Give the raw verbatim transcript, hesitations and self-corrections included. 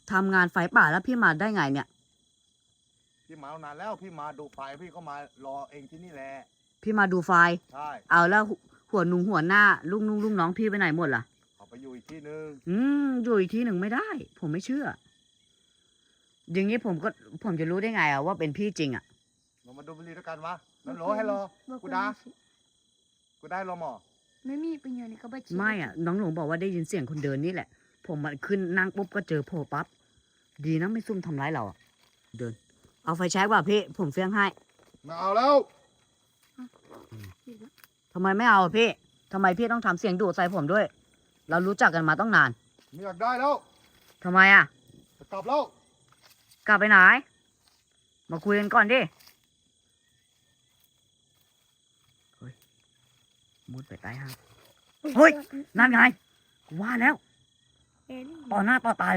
ทำงานไฟป่าแล้วพี่มาได้ไงเนี่ยพี่มานานแล้วพี่มาดูไฟพี่ก็มารอเองที่นี่แหละพี่มาดูไฟใช่เอาแล้วหัวหนุ่งหัวหน้าลุงลุงลุงน้องพี่ไปไหนหมดล่ะเขาไปอยู่อีกที่นึงอืมอยู่อีกทีหนึ่งไม่ได้ ผมไม่เชื่อ อย่างนี้ผมก็ผมจะรู้ได้ไงอะว่าเป็นพี่จริงอะเรามาดูบุหรี่ด้วยกันวะนั่นรอให้รอกูดากูได้รอหมอไม่มีประโยชน์นี่ก็ไปฉีดไม่อะน้องหลวงบอกว่าได้ยินเสียงคนเดินนี่แหละ ผมมันขึ้นนั่งปุ๊บก็เจอโผล่ปั๊บดีนะไม่ซุ่มทำร้ายเราอะเดิน เอาไฟแช็กว่ะพี่ผมเฟี้ยงให้มาเอาแล้วฉีดแล้วทำไมไม่เอาอะพี่ทำไมพี่ต้องทำเสียงดุใส่ผมด้วย เรารู้จักกันมาต้องนานไม่อยากได้แล้วทำไมอะจะกลับแล้วกลับไปไหน มาคุยกันก่อนดิเฮ้ยมุดไปใต้ห้าง เฮ้ย นั่นไงว่าแล้วเอ็นต่อหน้าต่อตา